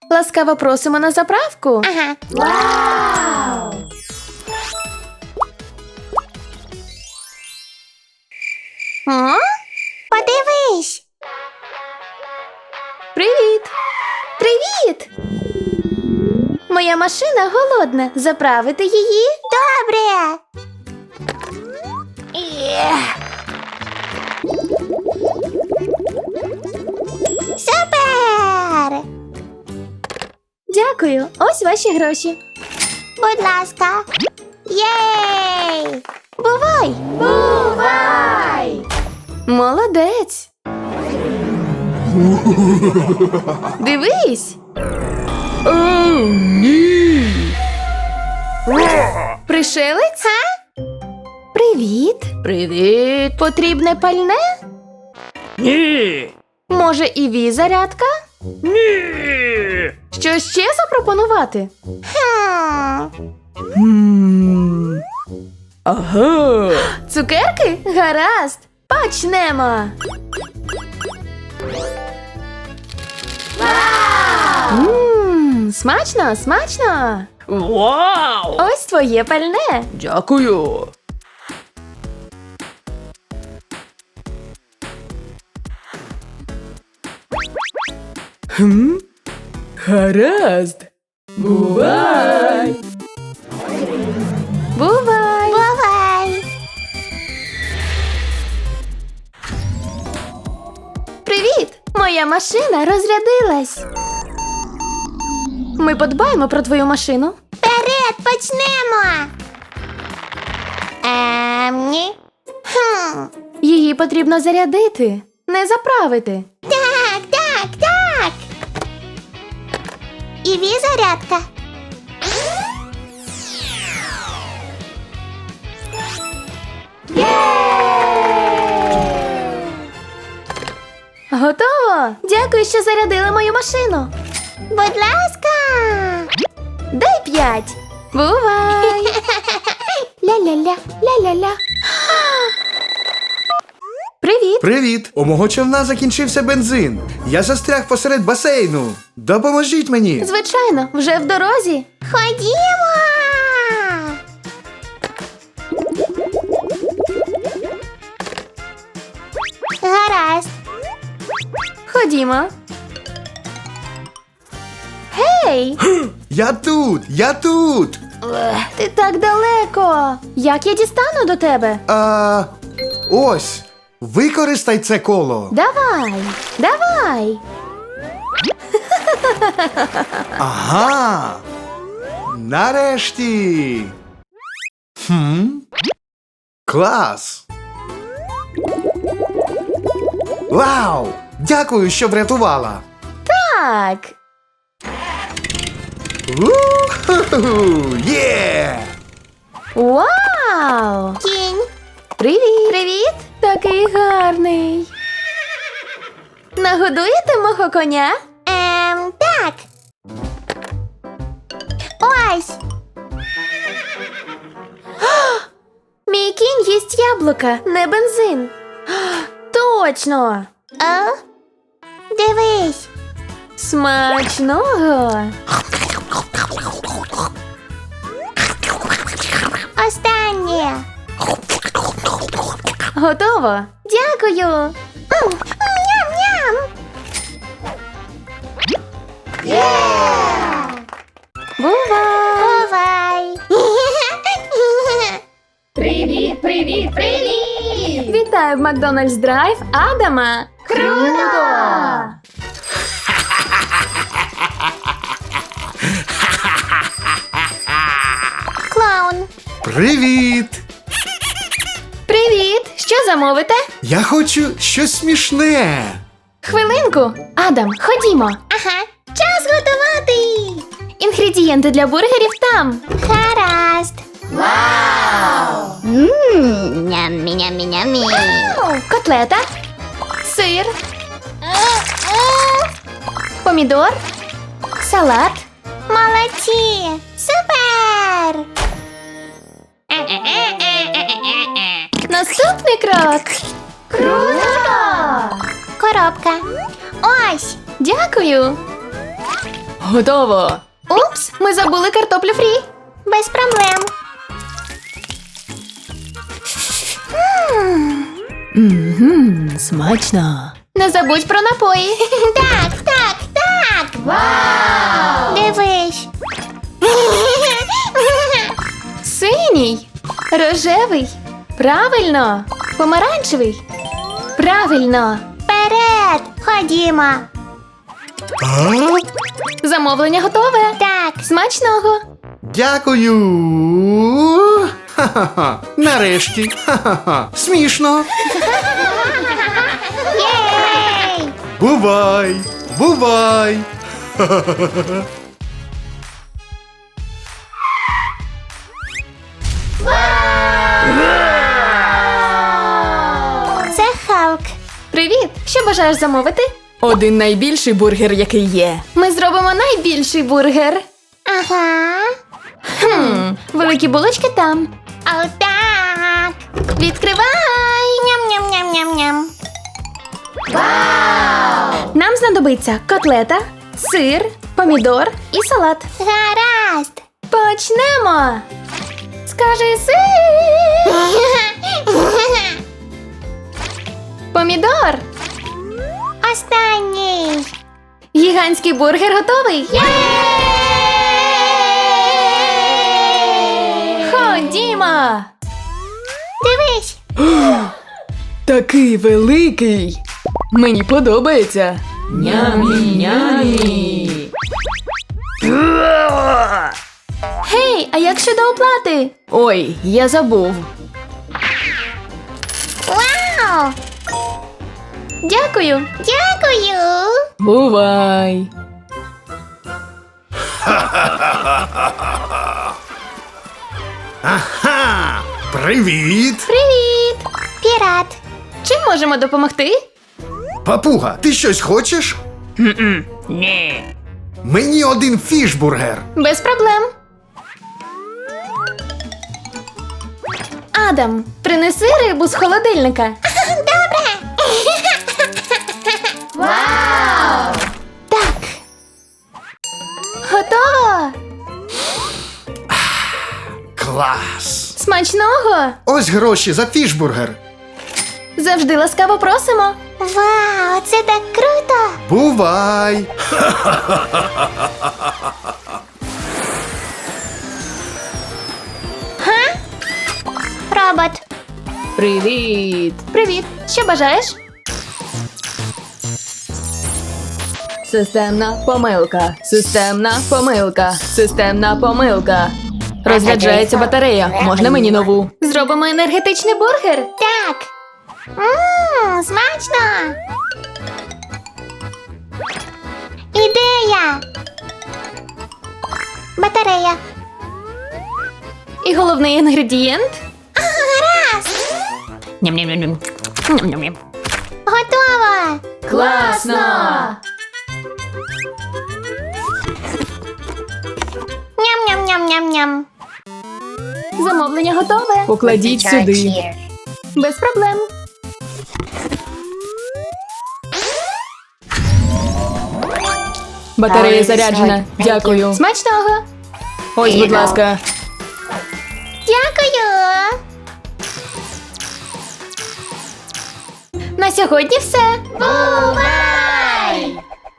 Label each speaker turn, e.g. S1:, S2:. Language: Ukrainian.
S1: Ласкаво просимо на заправку.
S2: Ага.
S1: Вау!
S2: О? Подивись.
S1: Привіт! Привіт! Моя машина голодна. Заправити її?
S2: Добре. Супер!
S1: Дякую. Ось ваші гроші.
S2: Будь ласка. Єй!
S1: Бувай! Бувай! Молодець! Дивись!
S3: О, ні!
S1: Пришелець? Привіт! Привіт! Потрібне пальне?
S3: Ні!
S1: Може, і ві-зарядка?
S3: Ні!
S1: Що ще запропонувати?
S3: Ага!
S1: Цукерки? Гаразд! Почнемо! Смачно, смачно!
S3: Вау!
S1: Ось твоє пальне!
S3: Дякую! Гаразд! Бувай!
S1: Бувай!
S2: Бувай!
S1: Привіт! Моя машина розрядилась! Ми подбаємо про твою машину.
S2: Вперед, почнемо! Ні.
S1: Її потрібно зарядити, не заправити.
S2: Так, так, так. І ві-зарядка.
S1: Готово! Дякую, що зарядили мою машину.
S2: Будь ласка.
S1: Дай 5. Бувай! Ля-ля-ля, ля-ля-ля. Привіт!
S4: Привіт! У мого човна закінчився бензин. Я застряг посеред басейну. Допоможіть мені.
S1: Звичайно, вже в дорозі.
S2: Ходімо. Гаразд.
S1: Ходімо. Гей!
S4: Я тут! Я тут!
S1: Ти так далеко. Як я дістану до тебе?
S4: Ось. Використай це коло.
S1: Давай, давай.
S4: Ага. Нарешті. Клас. Вау! Дякую, що врятувала.
S1: Так.
S4: У-ху-ху! Є!
S1: Вау!
S2: Кінь.
S1: Привіт! Привіт! Такий гарний. Нагодуєте мого коня?
S2: Так. Ось.
S1: Мій кінь їсть яблука, не бензин. Точно!
S2: Дивись.
S1: Смачного!
S2: Останнє.
S1: Готово! Дякую!
S2: Ням-ням.
S1: Бувай!
S2: Бувай.
S1: Привіт, привіт, привіт! Вітаю в Макдональдс Драйв Адама! Круто!
S2: Клоун.
S4: Привіт!
S1: Привіт! Що замовите?
S4: Я хочу щось смішне.
S1: Хвилинку! Адам, ходімо!
S2: Ага. Час готувати.
S1: Інгредієнти для бургерів там!
S2: Гаразд. Ням-ням-ням-ням.
S1: Котлета, сир, помідор, салат.
S2: Молодці. Супер.
S1: Наступний крок. Круто!
S2: Коробка. Ось.
S1: Дякую.
S3: Готово.
S1: Упс, ми забули картоплю фрі.
S2: Без проблем.
S3: Смачно.
S1: Не забудь про напої.
S2: Так, так, так. Вау! Дивись.
S1: Синій, рожевий. Правильно. Помаранчевий. Правильно.
S2: Вперед! Ходімо.
S1: Замовлення готове.
S2: Так.
S1: Смачного.
S4: Дякую. Ха-ха-ха. Нарешті. Ха-ха-ха. Смішно.
S2: Єй!
S4: Бувай. Бувай.
S2: Це Халк.
S1: Привіт! Що бажаєш замовити?
S3: Один найбільший бургер, який є.
S1: Ми зробимо найбільший бургер.
S2: Ага.
S1: Великі булочки там.
S2: Отак.
S1: Відкривай!
S2: Ням-ням-ням-ням-ням.
S1: Нам знадобиться котлета, сир, помідор і салат.
S2: Гаразд.
S1: Почнемо! Скажи сир! Помідор!
S2: Останній.
S1: Гігантський бургер готовий! Ходімо!
S2: Дивись.
S3: Такий великий. Мені подобається. Нямі-нямі.
S1: Гей, а як щодо оплати?
S3: Ой, я забув.
S2: Вау!
S1: Дякую!
S2: Дякую.
S3: Бувай.
S4: Ага. Привіт.
S1: Привіт!
S2: Пірат.
S1: Чим можемо допомогти?
S4: Папуга, ти щось хочеш?
S3: Ні.
S4: Мені один фішбургер.
S1: Без проблем. Адам, принеси рибу з холодильника.
S2: Добре.
S1: Вау! Так. Готово!
S4: Клас.
S1: Смачного!
S4: Ось гроші за фішбургер.
S1: Завжди ласкаво просимо.
S2: Вау, це так круто.
S4: Бувай.
S2: Робот.
S3: Привіт.
S1: Привіт! Що бажаєш?
S3: Системна помилка. Системна помилка. Системна помилка. Розряджається батарея. Можна мені нову?
S1: Зробимо енергетичний бургер.
S2: Так. Смачно. Ідея. Батарея.
S1: І головний інгредієнт.
S2: Гаразд.
S3: Ням-ням-ням. Ням-ням.
S2: Готово.
S1: Класно!
S2: Ням-ням-ням-ням-ням.
S1: Замовлення готове.
S3: Покладіть сюди.
S1: Без проблем.
S3: Батарея заряджена. Дякую.
S1: Смачного!
S3: Ось, будь ласка.
S2: Дякую.
S1: На сьогодні все.
S2: Бувай.